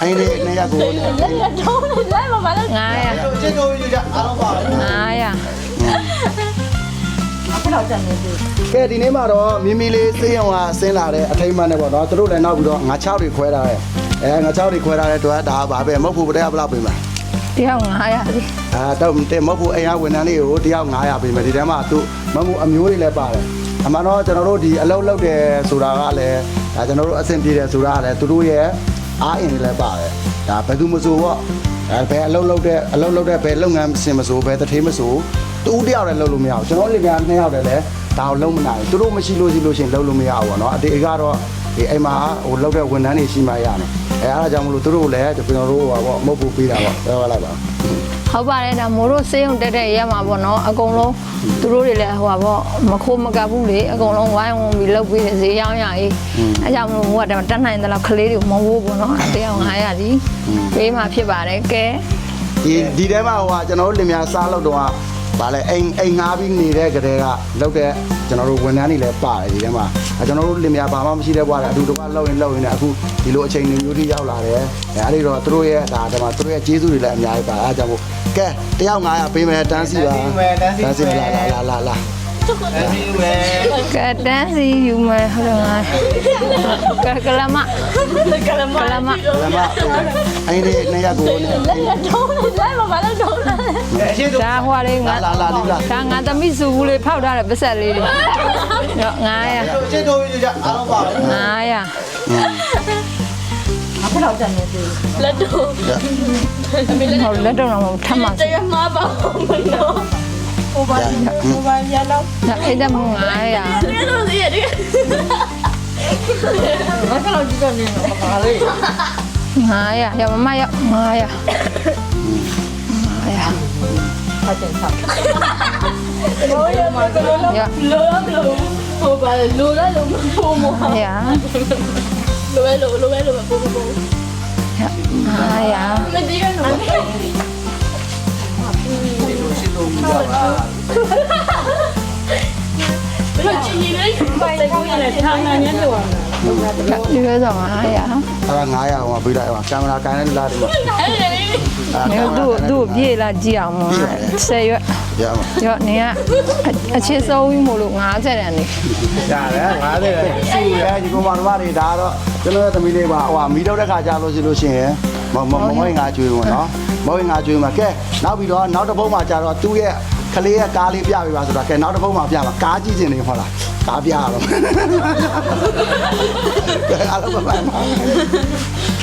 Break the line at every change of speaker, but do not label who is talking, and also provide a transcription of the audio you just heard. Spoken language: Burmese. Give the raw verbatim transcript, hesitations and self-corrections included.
အဲ့ဒီနေရကို
တော့လည်းမမလည်းငါရ
ကျေတိုးယူကြအားလုံးပါပဲ
ငါရဘယ်တော့ကြံနေပြီ
ကဲဒီနေ့မှာတော့မီမီလေးစေးရုံကဆင်းလာတဲ့အထိမ်းအမှတ်နဲ့ပေါ့နော်သူတို့လည်းနောက်ပြီးတော့ငါချောက်တွေခွဲထားတယ်အဲငါချောက်တွေခွဲထားတဲ့တော့ဒါပါပဲမဟုတ်ဘူးတရားဘယ်လောက်ပေးမှာ
တရားငါရပြီ
အာတော့တဲ့မဟုတ်ဘူးအိမ်ကဝန်ထမ်းလေးကိုတရားငါးရာပေးမယ်ဒီထဲမှာသူမမှုအမျိုးတွေလည်းပါတယ်အမှန်တော့ကျွန်တော်တို့ဒီအလုပ်လုပ်တယ်ဆိုတာကလည်းဒါကျွန်တော်တို့အဆင်ပြေတယ်ဆိုတာကလည်းသူတို့ရဲ့အားအင်တွေလည်းပါတယ်ဒါဘယ်သူမဆိုပေါ့အဲဘယ်အလုပ်လုပ်တဲ့အလုပ်လုပ်တဲ့ဘယ်လုပ်ငန်းစင်မဆိုဘယ်တထေးမဆိုတူတယောက်လည်းလုပ်လို့မရဘူးကျွန်တော်လင်ပြားနှစ်ယောက်တည်းလည်းဒါကိုလုံးမနိုင်သူတို့မရှိလို့ရှိလို့ရှင်လုံးလို့မရဘူးပေါ့နော်အတေကတော့ဒီအိမ်မှာဟိုလုပ်တဲ့ဝန်ထမ်းတွေရှိမှရမယ်အဲအားကြောင့်မလို့သူတို့လည်းကျွန်တော်တို့ဟိုပေါ့မဟုတ်ဘူးပေးတာပေါ့ပြောရလိုက်ပါ
ဟုတ်ပါတယ်ဒါမိုးတို့စေးုံတက်တဲ့ရက်မှာပေါ့နော်အကုန်လုံးသူတို့တွေလည်းဟိုပါပေါ့မခိုးမကပ်ဘူးလေအကုန်လုံးဝိုင်းဝန်းပြီးလုပ်ပြီးဈေးရောင်းရရေးအဲကြောင့်မလို့မိုးကတက်နိုင်တဲ့လောက်ကလေးတွေမဝိုးပေါ့နော်တရားငါရသည်ပေးမှဖြစ်ပါတယ်ကဲ
ဒီဒီထဲမှာဟိုကကျွန်တော်တို့လင်မြစားလို့တော့ဗာလဲအိမ်အိမ်ငါးပြီးနေတဲ့ကလေးကလောက်တဲ့ကျွန်တော်တို့ဝန်ထမ်းတွေလည်းပါတယ်ဒီထဲမှာကျွန်တော်တို့လင်မြဘာမှမရှိတဲ့ဘွားလည်းအတူတကွလောက်ရင်လောက်ရင်လည်းအခုဒီလိုအချိန်တွေမျိုးတွေရောက်လာတယ်အဲအဲ့ဒီတော့သူတို့ရဲ့ဒါဒီမှာသူတို့ရဲ့ကျေးဇူးတွေလည်းအများကြီးပါအားကြောင့်မို့ကဲတယောက်ငါးရာပေးမယ်တန်းစီပါတန်းစီလာလာလာလာလာ
ကဲတန်းစီယူမယ်ဟုတ်တယ်ငါကကလမကလမကလမ
လမအဲ့ဒီနေရကို
လည်းတော့လည်းမမလည်းတော့ဒါဟွာလေးငါ
လာလာလာလာ
ဒါငါသမီးစုဘူးလေးဖောက်ထားတဲ့ပဆက်လေးတွေတော့ငါရ
ကျေတိုးယူကြအားလုံးပါပဲ
ငါရဘယ်တော့ကြံနေပြီလက်တော့ဟုတ်လက်တော့တော့ထမ်းပါတရားမှာပါမလို့ဟိုပါဟိုပါရတော့အဲ့ဒါမှငါရဒီလိုစီရတယ်ဘာလို့ကြည့်တော့နေမှာလဲငါရရမမရငါရငါရဟာတဲ့ဆောက်လိုရမလိုလိုလိုလိုဟိုပါလိုလာလိုမဖို့မဟာရလိုလိုလိုလိုလိုပို့ပို့ဟာရမဒီရနော်ဘယ်ချင်းကြီးလဲပိုင်ကောင်းရတယ်ထောင်းနေနေလို့ဒီလိုဆိုငါရ
အဲ့ငါးရာဟိုပေးလိုက်ကင်မရာကန်နေလာတယ်
အဲ့ဒါသူ့သူ့ပြေးလာကြည့်အောင်ဆယ်ရွက်
ရပါ
ရောနေကအချစ်ဆုံးပြီးမို့လို့ငါးဆယ်တန်းနေ
ရတယ်ငါးဆယ်တန်းစီရဲဒီကောင်မတော်တွေဒါတော့ကျွန်တော်ရဲ့သမီးလေးပါဟိုမီးတော့တဲ့ခါကြာလို့ရှိလို့ရှိရင်မမမဝင်ငါကျွေးဝင်နော်မဝင်ငါကျွေးမှာကဲနောက်ပြီးတော့နောက်တစ်ပုတ်မှာကြာတော့သူ့ရဲ့ကလေးရဲ့ကားလေးပြပေးပါဆိုတော့ကဲနောက်တစ်ပုတ်မှာပြပါကားကြည့်ချင်နေဟုတ်လားကားပြရတော့ကဲအားလုံးပါပါက